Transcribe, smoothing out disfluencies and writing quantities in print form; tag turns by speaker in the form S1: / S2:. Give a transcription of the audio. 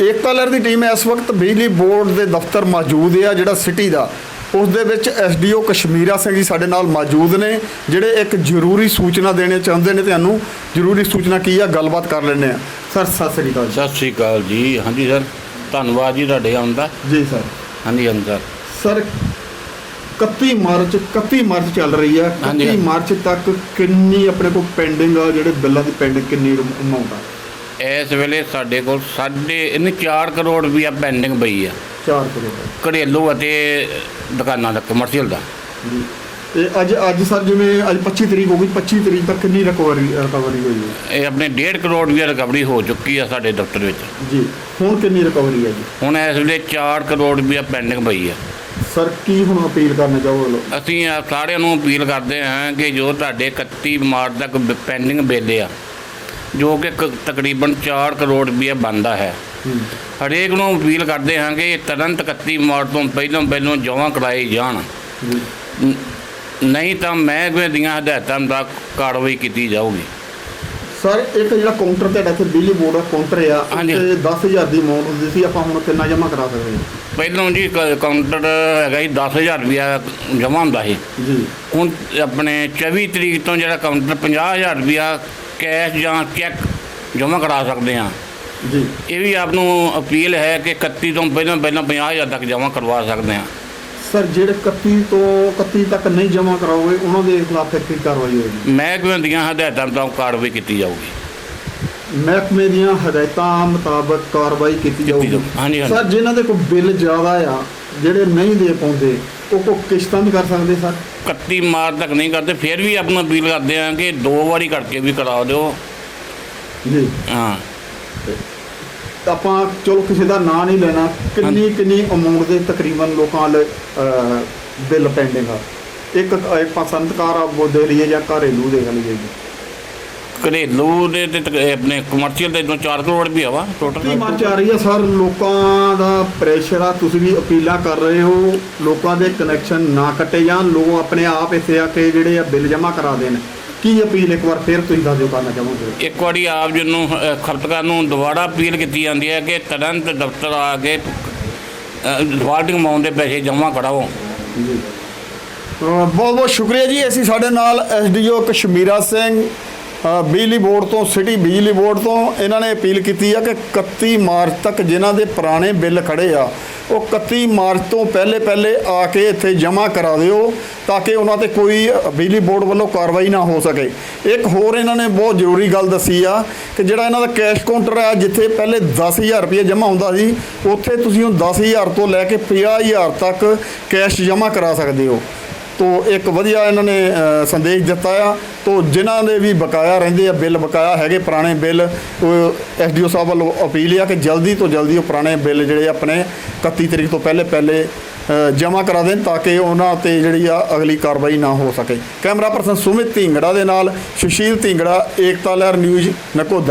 S1: ਏਕਤਾ ਲਹਿਰ ਦੀ ਟੀਮ ਇਸ ਵਕਤ ਬਿਜਲੀ ਬੋਰਡ ਦੇ ਦਫ਼ਤਰ ਮੌਜੂਦ ਹੈ ਜਿਹੜਾ ਸਿਟੀ ਦਾ। ਉਸ ਦੇ ਵਿੱਚ ਐਸਡੀਓ ਕਸ਼ਮੀਰਾ ਸਿੰਘ ਜੀ ਸਾਡੇ ਨਾਲ ਮੌਜੂਦ ਨੇ, ਜਿਹੜੇ ਇੱਕ ਜ਼ਰੂਰੀ ਸੂਚਨਾ ਦੇਣੇ ਚਾਹੁੰਦੇ ਨੇ। ਤੁਹਾਨੂੰ ਜ਼ਰੂਰੀ ਸੂਚਨਾ ਕੀ ਆ, ਗੱਲਬਾਤ ਕਰ ਲੈਂਦੇ ਆ। ਸਰ ਸਤਿ ਸ੍ਰੀ ਅਕਾਲ।
S2: ਸਤਿ ਸ਼੍ਰੀ ਅਕਾਲ ਜੀ। ਹਾਂਜੀ ਸਰ, ਧੰਨਵਾਦ ਜੀ ਤੁਹਾਡੇ ਆਉਣ ਦਾ।
S1: ਜੀ ਸਰ।
S2: ਹਾਂਜੀ ਹਾਂਜੀ
S1: ਸਰ 31 ਮਾਰਚ ਚੱਲ ਰਹੀ ਆ। 31 ਮਾਰਚ ਤੱਕ ਕਿੰਨੀ ਆਪਣੇ ਕੋਲ ਪੈਂਡਿੰਗ ਆ, ਜਿਹੜੇ ਬਿੱਲਾਂ ਦੀ ਪੈਂਡਿੰਗ ਕਿੰਨੀ ਅਮਾਊਂਟ ਆ? ਇਸ
S2: ਵੇਲੇ ਸਾਡੇ ਕੋਲ 4 ਕਰੋੜ ਰੁਪਈਆ ਪੈਂਡਿੰਗ ਪਈ ਆ।
S1: 4 ਕਰੋੜ
S2: ਘਰੇਲੂ ਅਤੇ ਦੁਕਾਨਾਂ ਦਾ, ਕਮਰਸ਼ੀਅਲ ਦਾ।
S1: ਜੀ। ਤੇ ਅੱਜ ਸਰ ਜਿਵੇਂ ਅੱਜ 25 ਤਰੀਕ ਹੋ ਗਈ, 25 ਤਰੀਕ ਤੱਕ ਕਿੰਨੀ ਰਿਕਵਰੀ ਹੋਈ ਹੈ?
S2: ਇਹ ਆਪਣੇ 1.5 ਕਰੋੜ ਰੁਪਈਆ ਰਿਕਵਰੀ ਹੋ ਚੁੱਕੀ ਆ ਸਾਡੇ ਦਫ਼ਤਰ ਵਿੱਚ।
S1: ਜੀ। ਹੁਣ ਕਿੰਨੀ ਰਿਕਵਰੀ ਹੈ ਜੀ?
S2: ਹੁਣ ਇਸ ਵੇਲੇ 4 ਕਰੋੜ ਰੁਪਈਆ ਪੈਂਡਿੰਗ ਪਈ ਆ।
S1: ਸਰ ਕੀ ਹੁਣ ਅਪੀਲ ਕਰਨਾ ਚਾਹੋਗੇ?
S2: ਅਸੀਂ ਸਾਰਿਆਂ ਨੂੰ ਅਪੀਲ ਕਰਦੇ ਹਾਂ ਕਿ ਜੋ ਤੁਹਾਡੇ 31 ਮਾਰਚ ਤੱਕ ਪੈਂਡਿੰਗ ਬਿੱਲ ਆ, ਜੋ ਕਿ ਤਕਰੀਬਨ 4 ਕਰੋੜ ਰੁਪਈਆ ਬਣਦਾ ਹੈ, ਹਰੇਕ ਨੂੰ ਅਪੀਲ ਕਰਦੇ ਹਾਂ ਕਿ ਤੁਰੰਤ 31 ਮਾਰਚ ਤੋਂ ਪਹਿਲਾਂ ਜਮ੍ਹਾਂ ਕਰਾਏ ਜਾਣ। ਨਹੀਂ ਤਾਂ ਮਹਿਕਮੇ ਦੀਆਂ ਹਦਾਇਤਾਂ ਦਾ ਕਾਰਵਾਈ ਕੀਤੀ ਜਾਊਗੀ।
S1: ਸਰ ਇੱਕ ਜਿਹੜਾ ਕਾਊਂਟਰ ਤੁਹਾਡਾ ਇੱਥੇ ਬਿਜਲੀ ਬੋਰਡ ਦਾ ਕਾਊਂਟਰ ਆ,
S2: ਹਾਂਜੀ,
S1: 10,000 ਦੀ ਅਮਾਊਂਟ ਹੁੰਦੀ ਸੀ, ਆਪਾਂ ਹੁਣ ਕਿੰਨਾ ਜਮ੍ਹਾਂ ਕਰਾ ਸਕਦੇ ਹਾਂ?
S2: ਪਹਿਲਾਂ ਜੀ ਕਾਊਂਟਰ ਹੈਗਾ ਜੀ 10,000 ਰੁਪਈਆ ਜਮ੍ਹਾਂ ਹੁੰਦਾ ਸੀ।
S1: ਜੀ। ਹੁਣ
S2: ਆਪਣੇ 24 ਤਰੀਕ ਤੋਂ ਜਿਹੜਾ ਕਾਊਂਟਰ 50,000 ਰੁਪਈਆ ਕੈਸ਼ ਜਾਂ ਚੈੱਕ ਜਮ੍ਹਾਂ ਕਰਾ ਸਕਦੇ ਹਾਂ।
S1: ਜੀ।
S2: ਇਹ ਵੀ ਆਪ ਨੂੰ ਅਪੀਲ ਹੈ ਕਿ 31 ਤੋਂ ਪਹਿਲਾਂ 50,000 ਤੱਕ ਜਮ੍ਹਾਂ ਕਰਵਾ ਸਕਦੇ ਹਾਂ।
S1: ਸਰ ਜਿਹੜੇ 31 ਤੱਕ ਨਹੀਂ ਜਮ੍ਹਾਂ ਕਰਾਓਗੇ ਉਹਨਾਂ ਦੇ ਖਿਲਾਫ ਕੀ ਕਾਰਵਾਈ ਹੋਏਗੀ?
S2: ਮਹਿਕਮੇ ਦੀਆਂ ਹਦਾਇਤਾਂ ਮੁਤਾਬਕ ਕਾਰਵਾਈ ਕੀਤੀ ਜਾਊਗੀ।
S1: ਮਹਿਕਮੇ ਦੀਆਂ ਹਦਾਇਤਾਂ ਮੁਤਾਬਕ ਕਾਰਵਾਈ ਕੀਤੀ ਜਾਊਗੀ।
S2: ਹਾਂਜੀ।
S1: ਸਰ ਜਿਨ੍ਹਾਂ ਦੇ ਕੋਲ ਬਿੱਲ ਜ਼ਿਆਦਾ ਆ, ਜਿਹੜੇ ਨਹੀਂ ਦੇ ਪਾਉਂਦੇ, ਉਹ ਕਿਸ਼ਤਾਂ ਵੀ ਕਰ ਸਕਦੇ ਸਰ?
S2: 31 ਮਾਰਚ ਤੱਕ ਨਹੀਂ ਕਰਦੇ, ਫਿਰ ਵੀ ਆਪ ਨੂੰ ਅਪੀਲ ਕਰਦੇ ਹਾਂ ਕਿ 2 ਵਾਰੀ ਕਰਕੇ ਵੀ ਕਰਾ ਦਿਓ।
S1: ਜੀ।
S2: ਹਾਂ।
S1: ਆਪਾਂ ਚਲੋ ਕਿਸੇ ਦਾ ਨਾਂ ਨਹੀਂ ਲੈਣਾ, ਕਿੰਨੀ ਅਮਾਊਂਟ ਦੇ ਤਕਰੀਬਨ ਲੋਕਾਂ ਦੇ ਬਿੱਲ ਪੈਂਡਿੰਗ ਆ? ਇੱਕ ਪਸੰਦਕਾਰ ਆ ਦੇ ਲਈਏ ਜਾਂ ਘਰੇਲੂ ਦੇਖ ਲਈਏ ਜੀ?
S2: ਘਰੇਲੂ ਦੇ ਤੇ ਆਪਣੇ ਕਮਰਸ਼ੀਅਲ ਦੇ 4 ਕਰੋੜ ਵੀ ਆਵਾ ਟੋਟਲ।
S1: ਮਾਰਚ ਆ ਰਹੀ ਆ ਸਰ, ਲੋਕਾਂ ਦਾ ਪ੍ਰੈਸ਼ਰ ਆ, ਤੁਸੀਂ ਵੀ ਅਪੀਲਾਂ ਕਰ ਰਹੇ ਹੋ ਲੋਕਾਂ ਦੇ ਕਨੈਕਸ਼ਨ ਨਾ ਕੱਟੇ ਜਾਣ, ਲੋਕ ਆਪਣੇ ਆਪ ਇੱਥੇ ਆ ਕੇ ਜਿਹੜੇ ਆ ਬਿੱਲ ਜਮ੍ਹਾਂ ਕਰਾ ਦੇਣ। ਕੀ ਅਪੀਲ ਇੱਕ ਵਾਰ ਫਿਰ ਤੁਸੀਂ ਦੱਸ ਦਿਓ ਕਰਨਾ ਚਾਹੋਗੇ?
S2: ਇੱਕ ਵਾਰੀ ਆਪ ਜੀ ਨੂੰ ਖਪਤਕਾਰ ਨੂੰ ਦੁਬਾਰਾ ਅਪੀਲ ਕੀਤੀ ਜਾਂਦੀ ਹੈ ਕਿ ਤੁਰੰਤ ਦਫ਼ਤਰ ਆ ਕੇ ਡਿਫਾਲਟਿੰਗ ਅਮਾਊਂਟ ਦੇ ਪੈਸੇ ਜਮ੍ਹਾਂ ਕਰਾਓ।
S1: ਜੀ। ਬਹੁਤ ਬਹੁਤ ਸ਼ੁਕਰੀਆ ਜੀ। ਅਸੀਂ ਸਾਡੇ ਨਾਲ ਐਸਡੀਓ ਕਸ਼ਮੀਰਾ ਸਿੰਘ ਬਿਜਲੀ ਬੋਰਡ ਤੋਂ, ਸਿਟੀ ਬਿਜਲੀ ਬੋਰਡ ਤੋਂ, ਇਹਨਾਂ ਨੇ ਅਪੀਲ ਕੀਤੀ ਆ ਕਿ 31 ਮਾਰਚ ਤੱਕ ਜਿਨ੍ਹਾਂ ਦੇ ਪੁਰਾਣੇ ਬਿੱਲ ਖੜੇ ਆ, ਉਹ 31 ਮਾਰਚ ਤੋਂ ਪਹਿਲੇ ਆ ਕੇ ਇੱਥੇ ਜਮ੍ਹਾਂ ਕਰਾ ਦਿਓ ਤਾਂ ਕਿ ਉਹਨਾਂ 'ਤੇ ਕੋਈ ਬਿਜਲੀ ਬੋਰਡ ਵੱਲੋਂ ਕਾਰਵਾਈ ਨਾ ਹੋ ਸਕੇ। ਇੱਕ ਹੋਰ ਇਹਨਾਂ ਨੇ ਬਹੁਤ ਜ਼ਰੂਰੀ ਗੱਲ ਦੱਸੀ ਆ ਕਿ ਜਿਹੜਾ ਇਹਨਾਂ ਦਾ ਕੈਸ਼ ਕਾਊਂਟਰ ਆ, ਜਿੱਥੇ ਪਹਿਲੇ 10,000 ਰੁਪਏ ਜਮ੍ਹਾਂ ਹੁੰਦਾ ਸੀ, ਉੱਥੇ ਤੁਸੀਂ ਹੁਣ 10,000 ਤੋਂ ਲੈ ਕੇ 50,000 ਤੱਕ ਕੈਸ਼ ਜਮ੍ਹਾਂ ਕਰਾ ਸਕਦੇ ਹੋ। ਤੋ ਇੱਕ ਵਧੀਆ ਇਹਨਾਂ ਨੇ ਸੰਦੇਸ਼ ਦਿੱਤਾ ਆ। ਤੋ ਜਿਨ੍ਹਾਂ ਦੇ ਵੀ ਬਕਾਇਆ ਰਹਿੰਦੇ ਆ, ਬਿੱਲ ਬਕਾਇਆ ਹੈਗੇ ਪੁਰਾਣੇ ਬਿੱਲ, ਐਸਡੀਓ ਸਾਹਿਬ ਵੱਲੋਂ ਅਪੀਲ ਆ ਕਿ ਜਲਦੀ ਤੋਂ ਜਲਦੀ ਉਹ ਪੁਰਾਣੇ ਬਿੱਲ ਜਿਹੜੇ ਆਪਣੇ 31 ਤਰੀਕ ਤੋਂ ਪਹਿਲੇ ਜਮ੍ਹਾਂ ਕਰਾ ਦੇਣ ਤਾਂ ਕਿ ਉਹਨਾਂ 'ਤੇ ਜਿਹੜੀ ਆ ਅਗਲੀ ਕਾਰਵਾਈ ਨਾ ਹੋ ਸਕੇ। ਕੈਮਰਾ ਪਰਸਨ ਸੁਮਿਤ ਢਿੰਗੜਾ ਦੇ ਨਾਲ ਸੁਸ਼ੀਲ ਢਿੰਗੜਾ, ਏਕਤਾ ਲਹਿਰ ਨਿਊਜ਼, ਨਕੋਦਾ।